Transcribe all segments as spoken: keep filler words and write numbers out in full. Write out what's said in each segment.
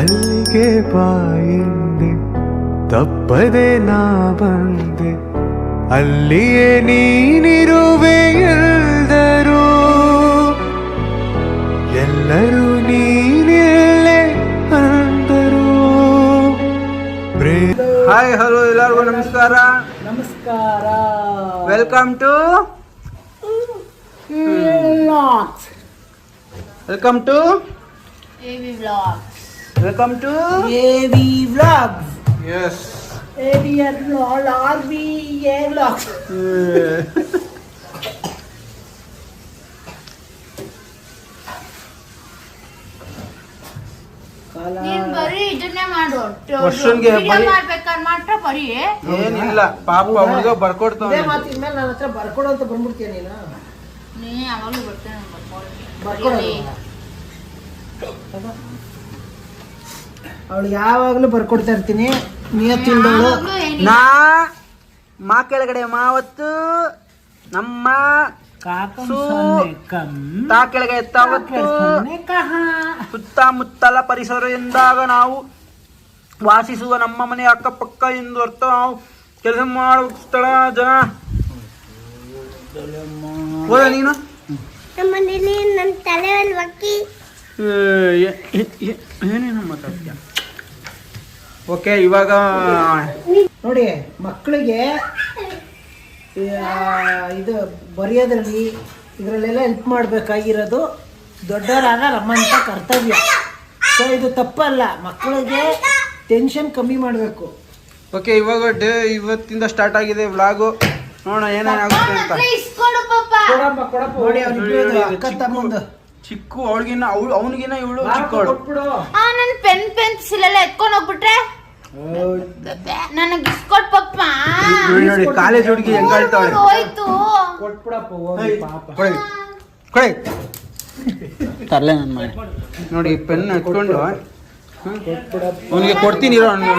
ಅಲ್ಲಿಗೆ ಬಾಯಿಂದೆ ತಪ್ಪದೆ ನಾ ಬಂದೆ ಅಲ್ಲಿಯೇ ನೀನಿರುವೆ ಎಲ್ಲರೂ ಎಲ್ಲರೂ ನೀನಿಲ್ಲೇ ಅಂದರು. ಹಾಯ್ ಹಲೋ ಎಲ್ಲರಿಗೂ ನಮಸ್ಕಾರ ನಮಸ್ಕಾರ welcome to welcome to AV vlogs welcome to AV vlogs S AV R V A vlogs. ನೀನ್ ಬರೀ ಇದನ್ನೇ ಮಾಡು. ವರ್ಷನ್ಗೆ ವಿಡಿಯೋ ಬರೀ- ಮಾಡ್ಬೇಕಾದ್ರೆ ಮಾತ್ರ ಬರೀ ಏನಿಲ್ಲ ಪಾಪ ಹುಡುಗ ಬರ್ಕೊಡ್ತಾವ. ಇದೇ ಮಾತು ಇನ್ಮೇಲೆ ನನ್ನ ಹತ್ರ ಬರ್ಕೊಡು ಅಂತ ಬಂದ್ಬಿಡ್ತೀಯ ನೀನು. ನೀ ಯಾವಾಗ್ಲೂ ಬರ್ತೇನೆ ಬರ್ಕೊಡೋದು ಅವಳು ಯಾವಾಗ್ಲೂ ಬರ್ಕೊಡ್ತಾ ಇರ್ತೀನಿ. ನಿಯತ್ತಿಲ್ದವಳು ನಾ ಮಾ ಕೆಳಗಡೆ ಮಾವತ್ತು ನಮ್ಮ ಸು ತಾ ಕೆಳಗೆ ಎತ್ತಾವತ್ತು ಸುತ್ತಮುತ್ತಲ ಪರಿಸರ ಎಂದಾಗ ನಾವು ವಾಸಿಸುವ ನಮ್ಮ ಮನೆ ಅಕ್ಕಪಕ್ಕ ಎಂದು ಅರ್ಥ. ನಾವು ಕೆಲಸ ಮಾಡುವ ಸ್ಥಳ ಜನ ಹೋದ ನೀನು ನಮ್ಮನೇಲಿ ನನ್ನ ತಲೆಯಲ್ಲಿ ಒಕ್ಕಿ ಏನೇನು ಮಾತಾಡ್ತೀಯ. ಓಕೆ ಇವಾಗ ನೋಡಿ ಮಕ್ಕಳಿಗೆ ಇದು ಬರೆಯೋದ್ರಲ್ಲಿ ಇದರಲ್ಲೆಲ್ಲ ಹೆಲ್ಪ್ ಮಾಡಬೇಕಾಗಿರೋದು ದೊಡ್ಡವರಾದ ನಮ್ಮಂಥ ಕರ್ತವ್ಯ. ಸೊ ಇದು ತಪ್ಪಲ್ಲ, ಮಕ್ಕಳಿಗೆ ಟೆನ್ಷನ್ ಕಮ್ಮಿ ಮಾಡಬೇಕು. ಓಕೆ ಇವಾಗ ಡೇ ಇವತ್ತಿಂದ ಸ್ಟಾರ್ಟ್ ಆಗಿದೆ ವ್ಲಾಗು. ನೋಡೋಣ ಏನೇನಾಗುತ್ತೆ ಅಂತ. ಕೊಡಪ್ಪ ಕೊಡಪ್ಪ ನೋಡಿ ಅವ್ರಿಬ್ರು ಅಕ್ಕ ತಮ್ಮಂದು ಚಿಕ್ಕು ಅವಳಿಗಿನ್ನ ಅವಳು ಅವನಿಗಿನ್ನ ಇವಳು ಚಿಕ್ಕವಳು. ಕೊಟ್ಬಿಡು. ನನ್ ಪೆನ್ ಪೆನ್ಸಿಲ್ ಎಲ್ಲ ಎತ್ಕೊಂಡ್ ಹೋಗ್ಬಿಟ್ರೆ ನನಗೆ ಇಸ್ಕೊಟ್ ಪಪ್ಪ. ನೋಡಿ ನೋಡಿ ಕಾಲೇಜ್ ಹುಡುಗಿ ಹೆಂಗ್ ಆಳ್ತಾವಳೆ. ಹೋಯ್ತು ಕೊಟ್ಬಿಡಪ್ಪ ಹೋಗಿ ಪಾಪ. ಕೊಡಿ ಕೊಡಿ ತರ್ಲೆ ನನ್ನ ಮನೆ. ನೋಡಿ ಪೆನ್ ಎತ್ಕೊಂಡು ಅವನಿಗೆ ಕೊಡ್ತೀನಿ ಇರೋ. ನೋಡಿ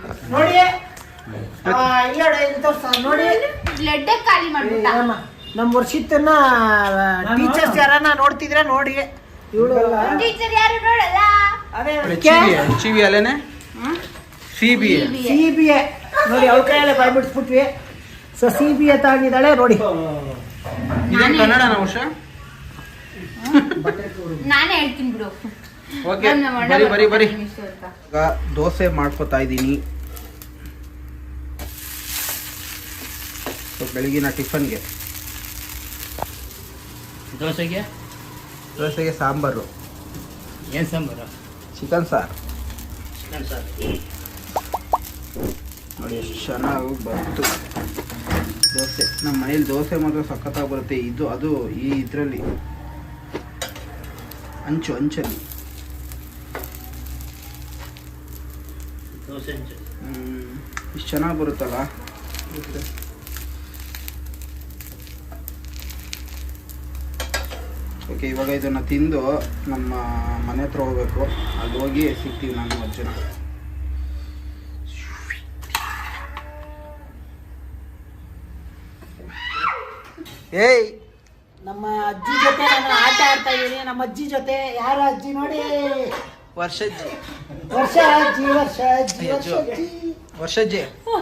ಆ, ಇಲ್ಲ ನೋಡಿ, ಇಲ್ಲಿ ತೋರ್ಸು. ನೋಡಿ ಬ್ಲಡ್ ಖಾಲಿ ಮಾಡ್ಬಿಟ್ಟ. ನಮ್ಮ ನಮ್ಮ ವರ್ಷಿತ್ತನ್ನ ಟೀಚರ್ಸ್ ಯಾರನ್ನ ನೋಡ್ತಿದ್ರೆ ನೋಡಿ ಇವಳು ಟೀಚರ್ ಯಾರು ನೋಡಲ್ಲ. ಅದೇ ಸಿ ಬಿ ಅಲ್ಲೇನೆ C B A C B A ನೋಡಿ ಅವಳ ಕೈಯಲ್ಲೇ ಬಾಯ್ ಬಿಡಿಸ್ಬಿಟ್ವಿ. ಸೊ ಸಿ ಬಿ ಎ ತಗೊಂಡಿದ್ದಾಳೆ ನೋಡಿ. ಇದೇನು ಕನ್ನಡನ ವರ್ಷ? ನಾನೇ ಹೇಳ್ತೀನಿ ಬಿಡು. ಓಕೆ ಬರಿ ಬರಿ ಬರಿ. ಈಗ ದೋಸೆ ಮಾಡ್ಕೊತಾ ಇದ್ದೀನಿ. ಬೆಳಗಿನ ಟಿಫನ್ಗೆ ದೋಸೆಗೆ ದೋಸೆಗೆ ಸಾಂಬಾರು. ಏನು ಸಾಂಬಾರು? ಚಿಕನ್ ಸಾರು. ಚಿಕನ್ ಸಾರು. ನೋಡಿ ಎಷ್ಟು ಚೆನ್ನಾಗಿ ಬಂತು ದೋಸೆ. ನಮ್ಮ ಮನೇಲಿ ದೋಸೆ ಮಾತ್ರ ಸಖತ್ತಾಗಿ ಬರುತ್ತೆ. ಇದು ಅದು ಈ ಇದರಲ್ಲಿ ಅಂಚು ಅಂಚಲ್ಲಿ ದೋಸೆ ಇಷ್ಟು ಚೆನ್ನಾಗಿ ಬರುತ್ತಲ್ಲ. ಓಕೆ ಇವಾಗ ಇದನ್ನು ತಿಂದು ನಮ್ಮ ಮನೆ ಹತ್ರ ಹೋಗ್ಬೇಕು. ಅಲ್ಲಿ ಹೋಗಿ ಸಿಗ್ತೀವಿ ನಾನು ಅಜ್ಜನ. ಏಯ್ ನಮ್ಮ ಅಜ್ಜಿ ಜೊತೆ ನಾನು ಆಟ ಆಡ್ತಾ ಇದ್ದೀನಿ. ನಮ್ಮ ಅಜ್ಜಿ ಜೊತೆ ಯಾರು ಅಜ್ಜಿ ನೋಡಿ, ವರ್ಷಜ್ಜಿ ವರ್ಷ ಅಜ್ಜಿ ವರ್ಷ ಅಜ್ಜಿ ವರ್ಷ ಅಜ್ಜಿ ವರ್ಷಜ್ಜಿ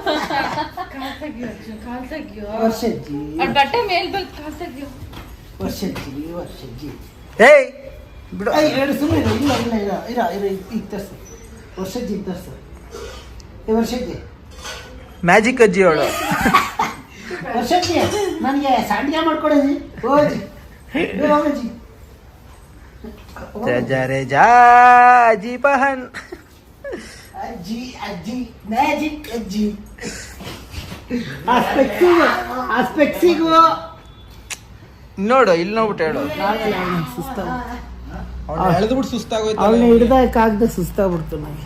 ವರ್ಷಜ್ಜಿ ಬಟ್ಟೆ ಮೇಲ್ ಬಂದು ಕಾಲ್ತಾಗ್ಯೋ. ವರ್ಷಜ್ಜಿ ವರ್ಷಜ್ಜಿ ಏಯ್ ಬಿಡು. ಐ ಎರಡು ಸುಮ್ಮನೆ ಇಲ್ಲ ಇಲ್ಲ ಇಲ್ಲ ಇರ ಇರ ಈಗ ತರ್ಸು. ವರ್ಷಜ್ಜಿ ಈಗ ತರ್ಸು. ಏ ವರ್ಷಜ್ಜಿ ಮ್ಯಾಜಿಕ್ ಅಜ್ಜಿ ಅವಳು. ವರ್ಷಜ್ಜಿ ನನಗೆ ಸಾಂಡಿಗೆ ಮಾಡ್ಕೊಡೋದು ಓಜಿ ಅಜ್ಜಿ ಜರೆ ಜಾ ಅಜ್ಜಿ ಪಹನ್ ಅಜ್ಜಿ ಅಜ್ಜಿ ಮ್ಯಾಜಿಕ್ ಅಜ್ಜಿ. ಆ ಸ್ಪೆಕ್ಸಿಗೂ ಆ ಸ್ಪೆಕ್ಸಿಗೂ ನೋಡು ಇಲ್ಲಿ ನೋಡ್ಬಿಟ್ಟು ಹೇಳು. ಸುಸ್ತಾಗ ಅವಳು ಎಳೆದ್ಬಿಟ್ಟು ಸುಸ್ತಾಗೋಯ್ತು. ಅವಳನ್ನ ಹಿಡ್ದಾಕಾಗ್ದೆ ಸುಸ್ತಾಗ್ಬಿಡ್ತು ನನಗೆ.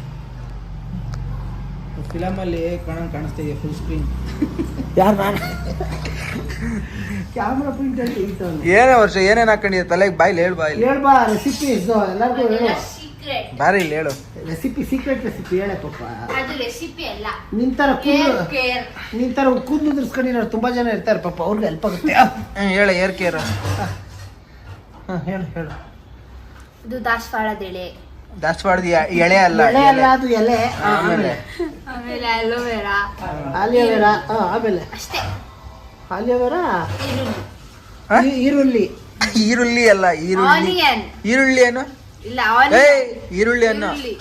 ಫಿಲಮಲ್ಲಿ ಕಾಣಂಗ್ ಕಾಣಿಸ್ತಿದೆ ಫುಲ್ ಸ್ಕ್ರೀನ್. ಯಾರು ನಾನು ಕ್ಯಾಮ್ರಾ ಪ್ರಿಂಟ್ ಅಂತ ಹೇಳ್ತಾನೆ. ಏನೇ ವರ್ಷ ಏನೇನು ಹಾಕೊಂಡಿದ್ದೆ ತಲೆಗೆ ಬಾಯ್ಲಿ ಹೇಳು. ಬಾಯ್ಲಿ ಹೇಳ್ಬಾ ರೆಸಿಪಿ ಎಲ್ಲರಿಗೂ ಹೇಳು. ಸೀಕ್ರೆಟ್ ಬಾರಿ ಇಲ್ಲಿ ಹೇಳು. ರೆಸಿಪಿ ಸೀಕ್ರೆಟ್ ರೆಸಿಪಿ ಹೇಳೆ ಪಾಪ. ಅದು ರೆಸಿಪಿ ಅಲ್ಲ, ನಿನ್ ತರ ಕೂದಲು ಕೇರ್. ನಿನ್ ತರ ಕೂದಲು ಉದುರಿಸ್ಕೊಂಡಿರೋರು ತುಂಬಾ ಜನ ಇರ್ತಾರೆ ಪಾಪ, ಅವ್ರಿಗೆ ಹೆಲ್ಪ್ ಆಗುತ್ತೆ. ಹ್ಮ್ ಹೇಳು ಏರ್ ಕೇರ್. ಹೇಳು ಹೇಳು. ಇದು ದಾಸವಾಳದೆಲೆ, ದಾಸವಾಳದ ಎಳೆ ಅಲ್ಲ ಎಲೆ ಅಲ್ಲ ಅದು ಎಲೆ. ಆ, ಆಮೇಲೆ ಆಮೇಲೆ ಅಲೋವೆರಾ, ಆಲಿಯೋವೆರಾ. ಆ, ಆಮೇಲೆ ಅಷ್ಟೇ. ಆಲಿಯೋವೆರಾ, ಹಾ? ಈ- ಈರುಳ್ಳಿ. ಈರುಳ್ಳಿ ಅಲ್ಲ ಈರುಳ್ಳಿ. ಆನಿಯನ್ ಈರುಳ್ಳಿ ಏನು? ಇಲ್ಲ, ಏ ಆನಿಯನ್ ಈರುಳ್ಳಿ ಅನ್ನು ಈರುಳ್ಳಿ.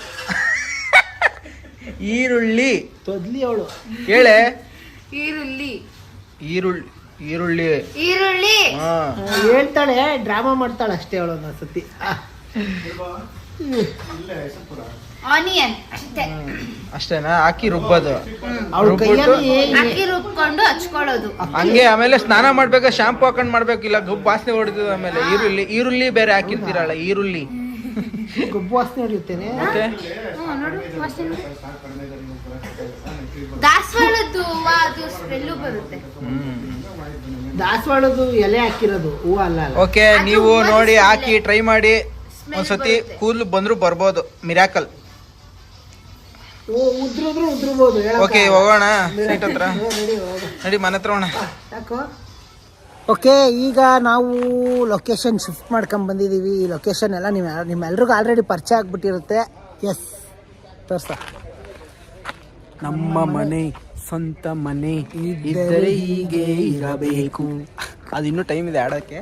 ಈರುಳ್ಳಿ ತೊದ್ಲಿ ಅವಳು. ಕೇಳೆ ಈರುಳ್ಳಿ ಈರುಳ್ಳಿ ಈರುಳ್ಳಿ ಈರುಳ್ಳಿ ಹಾ ಹೇಳ್ತಾಳೆ, ಡ್ರಾಮಾ ಮಾಡ್ತಾಳೆ ಅಷ್ಟೇ ಅವಳು ಒಂದೊಂದ್ಸತಿ. ಆ, ಆನಿಯನ್ ಅಷ್ಟೇ. ಅಷ್ಟೇನಾ? ಹಾಕಿ ರುಬ್ಬೋದು. ಅವಳ ರುಬ್ಬಿಟ್ಟು ಕೈಯಲ್ಲಿ ಅಕ್ಕಿ ರುಬ್ಕೊಂಡು ಹಚ್ಕೊಳ್ಳೋದು. ಹಂಗೆ ಆಮೇಲೆ ಸ್ನಾನ ಮಾಡ್ಬೇಕಾ ಶಾಂಪು ಹಾಕೊಂಡ್ ಮಾಡ್ಬೇಕಿಲ್ಲ, ಗಬ್ಬು ವಾಸನೆ ಹೊಡಿತದ. ಆಮೇಲೆ ಈರುಳ್ಳಿ ಈರುಳ್ಳಿ ಬೇರೆ ಹಾಕಿರ್ತೀರಲ್ಲ, ಈರುಳ್ಳಿ ಗೊಬ್ಬು ವಾಸನೆ ಹೊಡಿಯುತ್ತೇನೆ. ಮತ್ತೆ ಹ್ಮ್, ನೋಡು ವಾಸನೆ. ದಾಸವಾಳದ್ದು ಹೂವ ಅದು ಸ್ಮೆಲ್ಲು ಬರುತ್ತೆ. ದಾಸವಾಳದು ಎಲೆ ಹಾಕಿರೋದು, ಹೂವು ಅಲ್ಲ ಅಲ್ಲ. ಓಕೆ, ಅದು ನೀವು ಹೂವದ ನೋಡಿ smell. ಹಾಕಿ ಟ್ರೈ ಮಾಡಿ. Smell ಒಂದ್ಸತಿ ಬರುತ್ತೆ. ಕೂದಲು ಬಂದ್ರು ಬರ್ಬೋದು, ಮಿರಾಕಲ್. ಉ- ಉದ್ರಿದ್ರು ಉದ್ರಬಹುದು. ಓಕೆ, ಹೋಗೋಣ ಸೀಟ್ ಹತ್ರ. ನಡಿ ಮನೆ ಹತ್ರ ಹೋಗೋಣ. ಓಕೆ, ಈಗ ನಾವು ಲೊಕೇಶನ್ ಶಿಫ್ಟ್ ಮಾಡ್ಕೊಂಡ್ ಬಂದಿದ್ದೀವಿ. ಈ ಲೊಕೇಶನ್ ಎಲ್ಲ ನೀವು ನಿಮ್ಮೆಲ್ರಿಗೂ ಆಲ್ರೆಡಿ ಪರಿಚಯ ಆಗ್ಬಿಟ್ಟಿರುತ್ತೆ. ಎಸ್, ತೋರ್ಸ. ನಮ್ಮ ಮನೆ ಸ್ವಂತ ಮನೆ ಇದ್ದರೆ ಹೀಗೆ ಇರಬೇಕು. ಅದು ಇನ್ನೂ ಟೈಮ್ ಇದೆ ಆಡೋಕ್ಕೆ.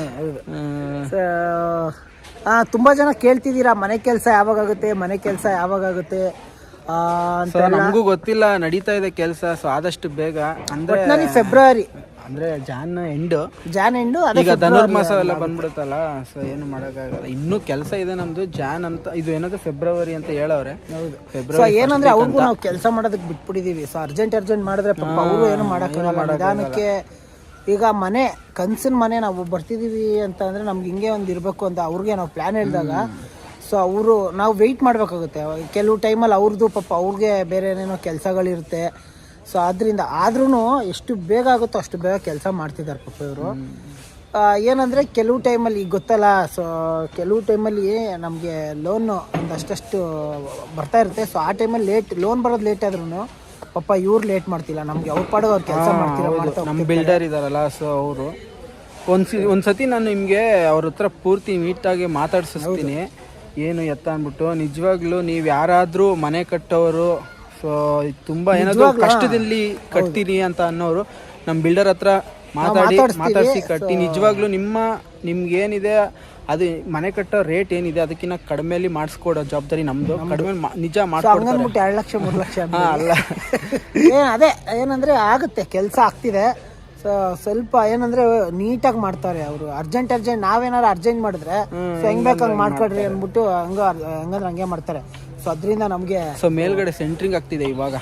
ತುಂಬ ಜನ ಕೇಳ್ತಿದ್ದೀರಾ ಮನೆ ಕೆಲಸ ಯಾವಾಗ ಆಗುತ್ತೆ, ಮನೆ ಕೆಲಸ ಯಾವಾಗ ಆಗುತ್ತೆ ಆ, ಅಂತ ಎಲ್ಲ. ನಮಗೂ ಗೊತ್ತಿಲ್ಲ, ನಡೀತಾ ಇದೆ ಕೆಲಸ. ಸೊ ಆದಷ್ಟು ಬೇಗ ಅಂದ್ರೆ ಒಟ್ನಲ್ಲಿ ಫೆಬ್ರವರಿ ಅಂದ್ರೆ ಜಾನ್ ಎಂಡ್. ಜಾನ್ ಎಂಡು ಈಗ ಧನುರ್ಮಾಸ ಎಲ್ಲ ಬಂದ್ಬಿಡುತ್ತಲ್ಲ, ಸೊ ಏನು ಮಾಡೋಕ್ಕಾಗಲ್ಲ. ಇನ್ನೂ ಕೆಲಸ ಇದೆ ನಮ್ದು. ಜಾನ್ ಅಂತ ಇದು ಏನಾದ್ರು ಫೆಬ್ರವರಿ ಅಂತ ಹೇಳವ್ರೆ. ಹೌದು. ಸೊ ಫೆಬ್ರವರಿ ಏನಂದ್ರೆ ಅವ್ರಿಗೂ ನಾವು ಕೆಲಸ ಮಾಡೋದಕ್ಕೆ ಬಿಟ್ಬಿಟ್ಟಿದೀವಿ. ಸೊ ಅರ್ಜೆಂಟ್ ಅರ್ಜೆಂಟ್ ಮಾಡಿದ್ರೆ ಪಾಪ ಅವರು ಏನು ಮಾಡೋಕ್ಕಾಗಲ್ಲ. ನಿಧಾನಕ್ಕೆ ಈಗ ಮನೆ ಕನ್ಸಿನ ಮನೆ ನಾವು ಬರ್ತಿದೀವಿ ಅಂತ ಅಂದ್ರೆ ನಮ್ಗೆ ಹಿಂಗೆ ಒಂದು ಇರಬೇಕು ಅಂತ ಅವ್ರಿಗೆ ನಾವು ಪ್ಲಾನ್ ಹೇಳಿದಾಗ, ಸೊ ಅವರು ನಾವು ವೆಯ್ಟ್ ಮಾಡಬೇಕಾಗುತ್ತೆ. ಕೆಲವು ಟೈಮಲ್ಲಿ ಅವ್ರದ್ದು ಪಾಪ ಅವ್ರಿಗೆ ಬೇರೆ ಏನೇನೋ ಕೆಲಸಗಳಿರುತ್ತೆ. ಸೊ ಅದರಿಂದ ಆದ್ರೂ ಎಷ್ಟು ಬೇಗ ಆಗುತ್ತೋ ಅಷ್ಟು ಬೇಗ ಕೆಲಸ ಮಾಡ್ತಿದ್ದಾರೆ ಪಾಪ ಇವರು. ಏನಂದರೆ ಕೆಲವು ಟೈಮಲ್ಲಿ ಈಗ ಗೊತ್ತಲ್ಲ, ಸೊ ಕೆಲವು ಟೈಮಲ್ಲಿ ನಮಗೆ ಲೋನು ಒಂದಷ್ಟು ಬರ್ತಾ ಇರುತ್ತೆ. ಸೊ ಆ ಟೈಮಲ್ಲಿ ಲೇಟ್ ಲೋನ್ ಬರೋದು ಲೇಟ್ ಆದ್ರೂ ಪಾಪ ಇವ್ರು ಲೇಟ್ ಮಾಡ್ತಿಲ್ಲ, ನಮಗೆ ಅವ್ರ ಪಾಡಿಗೆ ಅವ್ರು ಕೆಲಸ ಮಾಡ್ತಿಲ್ಲ ಮಾಡ್ತಾ ನಮ್ಮ ಹೋಗ್ತಿರ್ತಾರೆ. ಬಿಲ್ಡರ್ ಇದಾರಲ್ಲ, ಸೊ ಅವರು ಒಂದ್ಸಿ ಒಂದ್ಸತಿ ನಾನು ನಿಮಗೆ ಅವ್ರ ಹತ್ರ ಪೂರ್ತಿ ನೀಟಾಗಿ ಮಾತಾಡ್ಸಿಸ್ತೀನಿ ಏನು ಎತ್ತ ಅಂದ್ಬಿಟ್ಟು. ನಿಜವಾಗ್ಲೂ ನೀವು ಯಾರಾದರೂ ಮನೆ ಕಟ್ಟೋರು, ಸೊ ತುಂಬ ಏನಾದರೂ ಕಷ್ಟದಲ್ಲಿ ಕಟ್ತೀನಿ ಅಂತ ಅನ್ನೋರು ನಮ್ಮ ಬಿಲ್ಡರ್ ಹತ್ರ ಮಾತಾಡಿ ಮಾತಾಡಿಸಿ ಕಟ್ಟಿ. ನಿಜವಾಗ್ಲೂ ನಿಮ್ಮ ನಿಮ್ಗೆ ಏನಿದೆ ಅದು ಮನೆ ಕಟ್ಟೋ ರೇಟ್ ಏನಿದೆ ಅದಕ್ಕಿಂತ ಕಡಿಮೆಲಿ ಮಾಡಿಸ್ಕೊಡೋ ಜವಾಬ್ದಾರಿ ನಮ್ದು. ಕಡಿಮೆ ನಿಜ ಮಾಡ್ಕೊಡ್ತಾರೆ. ಹಂಗನ್ಬಿಟ್ಟು ಎರಡು ಲಕ್ಷ ಮೂರು ಲಕ್ಷ ಹಾ, ಅಲ್ಲ ಏನ್ ಅದೇ ಏನಂದ್ರೆ ಆಗುತ್ತೆ, ಕೆಲಸ ಆಗ್ತಿದೆ. ಸೊ ಸ್ವಲ್ಪ ಏನಂದ್ರೆ ನೀಟಾಗಿ ಮಾಡ್ತಾರೆ ಅವರು. ಅರ್ಜೆಂಟ್ ಅರ್ಜೆಂಟ್ ನಾವೇನಾದ್ರು ಅರ್ಜೆಂಟ್ ಮಾಡಿದ್ರೆ ಸೊ ಹೆಂಗ್ ಬೇಕು ಹಂಗೆ ಮಾಡ್ಕೊಡ್ರಿ ಅಂದ್ಬಿಟ್ಟು ಹಂಗ ಹಂಗಂದ್ರೆ ಹಂಗೆ ಮಾಡ್ತಾರೆ. ಸೊ ಅದರಿಂದ ನಮಗೆ ಸೊ ಮೇಲ್ಗಡೆ ಸೆಂಟ್ರಿಂಗ್ ಆಗ್ತಿದೆ ಇವಾಗ.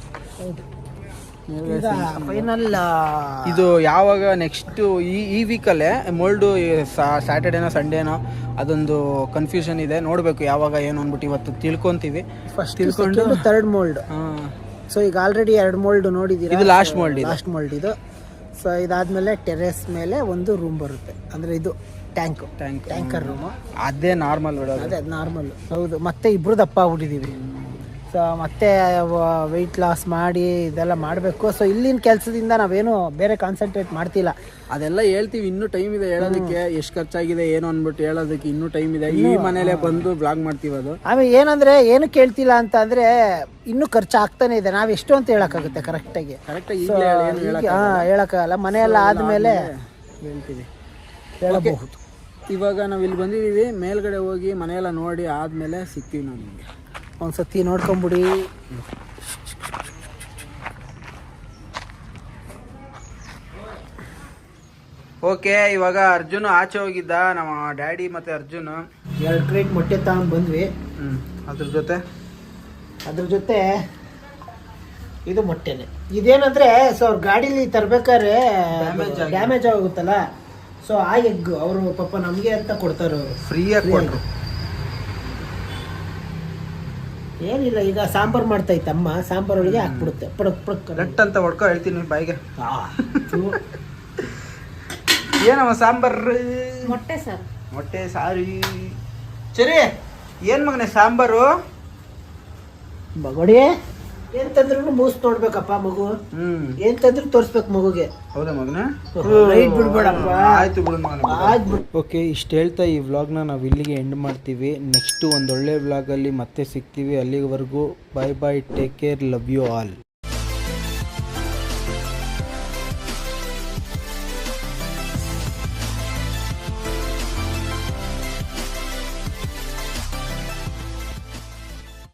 ಫೈನಲ್ ಇದು ಯಾವಾಗ ನೆಕ್ಸ್ಟ್ ಈ ಈ ವೀಕಲ್ಲೇ ಮೋಲ್ಡು ಸ್ಯಾಟರ್ಡೇನೋ ಸಂಡೇನೋ ಅದೊಂದು ಕನ್ಫ್ಯೂಷನ್ ಇದೆ. ನೋಡಬೇಕು ಯಾವಾಗ ಏನು ಅಂದ್ಬಿಟ್ಟು ಇವತ್ತು ತಿಳ್ಕೊಂತೀವಿ. ಫಸ್ಟ್ ತಿಳ್ಕೊಂಡು ಥರ್ಡ್ ಮೋಲ್ಡ್. ಸೊ ಈಗ ಆಲ್ರೆಡಿ ಎರಡು ಮೋಲ್ಡ್ ನೋಡಿದ್ದೀರಾ. ಇದು ಲಾಸ್ಟ್ ಮೋಲ್ಡ್. ಲಾಸ್ಟ್ ಮೋಲ್ಡ್ ಇದು. ಸೊ ಇದಾದ್ಮೇಲೆ ಟೆರೆಸ್ ಮೇಲೆ ಒಂದು ರೂಮ್ ಬರುತ್ತೆ, ಅಂದ್ರೆ ಇದು ಟ್ಯಾಂಕ್ ಟ್ಯಾಂಕ್ ಟ್ಯಾಂಕರ್ ರೂಮು. ಅದೇ ನಾರ್ಮಲ್ ಬಿಡೋದು. ಅದೇ ನಾರ್ಮಲ್. ಹೌದು. ಮತ್ತೆ ಇಬ್ರು ದಪ್ಪ ಆಗ್ಬಿಟ್ಟಿದ್ದೀವಿ. ಸೊ ಮತ್ತೆ ವೆಯ್ಟ್ ಲಾಸ್ ಮಾಡಿ ಇದೆಲ್ಲ ಮಾಡಬೇಕು. ಸೊ ಇಲ್ಲಿನ ಕೆಲಸದಿಂದ ನಾವೇನು ಬೇರೆ ಕಾನ್ಸಂಟ್ರೇಟ್ ಮಾಡ್ತಿಲ್ಲ. ಅದೆಲ್ಲ ಹೇಳ್ತೀವಿ, ಇನ್ನೂ ಟೈಮ್ ಇದೆ ಹೇಳೋದಕ್ಕೆ. ಎಷ್ಟು ಖರ್ಚಾಗಿದೆ ಏನು ಅಂದ್ಬಿಟ್ಟು ಹೇಳೋದಕ್ಕೆ ಇನ್ನೂ ಟೈಮ್ ಇದೆ. ಈ ಮನೇಲೆ ಬಂದು ಬ್ಲಾಗ್ ಮಾಡ್ತೀವಿ. ಅದು ಆಮೇಲೆ ಏನಂದ್ರೆ ಏನು ಕೇಳ್ತಿಲ್ಲ ಅಂತ ಅಂದ್ರೆ ಇನ್ನೂ ಖರ್ಚು ಆಗ್ತಾನೆ ಇದೆ. ನಾವ್ ಎಷ್ಟು ಅಂತ ಹೇಳಕ್ಕಾಗುತ್ತೆ ಕರೆಕ್ಟಾಗಿ? ಕರೆಕ್ಟಾಗಿ ಹಾ, ಹೇಳಕ್ಕಾಗಲ್ಲ. ಮನೆಯೆಲ್ಲ ಆದ್ಮೇಲೆ ಹೇಳ್ತೀವಿ, ಹೇಳಬಹುದು. ಇವಾಗ ನಾವು ಇಲ್ಲಿ ಬಂದಿದ್ದೀವಿ. ಮೇಲ್ಗಡೆ ಹೋಗಿ ಮನೆಯೆಲ್ಲ ನೋಡಿ ಆದಮೇಲೆ ಸಿಗ್ತೀವಿ ನಾವು ನಿಮಗೆ. ಒಂದ್ಸತಿ ನೋಡ್ಕೊಂಬಿಡಿ. ಓಕೆ, ಇವಾಗ ಅರ್ಜುನ್ ಆಚೆ ಹೋಗಿದ್ದ. ನಮ್ಮ ಡ್ಯಾಡಿ ಮತ್ತೆ ಅರ್ಜುನ್ ಎರಡು ಕ್ರೇಟ್ ಮೊಟ್ಟೆ ತಗೊಂಡ್ ಬಂದ್ವಿ. ಹ್ಮ್ ಅದ್ರ ಜೊತೆ ಅದ್ರ ಜೊತೆ ಇದು ಮೊಟ್ಟೆನೆ. ಇದೇನಂದ್ರೆ ಸೊ ಅವ್ರ ಗಾಡೀಲಿ ತರ್ಬೇಕಾದ್ರೆ ಡ್ಯಾಮೇಜ್ ಆಗುತ್ತಲ್ಲ, ಸೊ ಆ ಎಗ್ ಅವರು ಪಾಪ ನಮ್ಗೆ ಅಂತ ಕೊಡ್ತಾರೆ ಅವರು. ಫ್ರೀಯಾಗಿ ಕೊಟ್ರು. ಏನಿಲ್ಲ, ಈಗ ಸಾಂಬಾರ್ ಮಾಡ್ತಾ ಇತ್ತು ಅಮ್ಮ, ಸಾಂಬಾರ್ ಒಳಗೆ ಹಾಕ್ಬಿಡುತ್ತೆ ಪಡಕ್ ಪಡಕ್ ಗಟ್ ಅಂತ ಹೊಡ್ಕೊ ಹೇಳ್ತೀನಿ ಬಾಯಿಗೆ. ಆ, ಥು. ಏನಮ್ಮ ಸಾಂಬಾರ್? ಮೊಟ್ಟೆ ಸರ್. ಮೊಟ್ಟೆ ಸಾರಿ. ಸರಿ, ಏನ್ ಮಗನೆ ಸಾಂಬಾರು? ಬಗೋಡಿ ಏನ್ ತಂದ್ರು ಮೂಸ್ ನೋಡ್ಬೇಕಪ್ಪ ಮಗು. ಹ್ಮ್ ಏನ್ ತಂದ್ರು ತೋರ್ಸ್ಬೇಕು ಮಗುಗೆ. ಹೌದಾ ಮಗನ? ರೈಟ್ ಬಿಡ್ಬೇಡಪ್ಪ. ಆಯ್ತು ಬಿಡು ಮಗನ. ಆಯ್ತು ಬಿಡು. ಓಕೆ, ಇಷ್ಟು ಹೇಳ್ತಾ ಈ ವ್ಲಾಗ್ನ ನಾವು ಇಲ್ಲಿಗೆ ಎಂಡ್ ಮಾಡ್ತೀವಿ. ನೆಕ್ಸ್ಟು ಒಂದೊಳ್ಳೆ ವ್ಲಾಗಲ್ಲಿ ಮತ್ತೆ ಸಿಗ್ತೀವಿ. ಅಲ್ಲಿವರೆಗೂ bye bye, take care, love you all.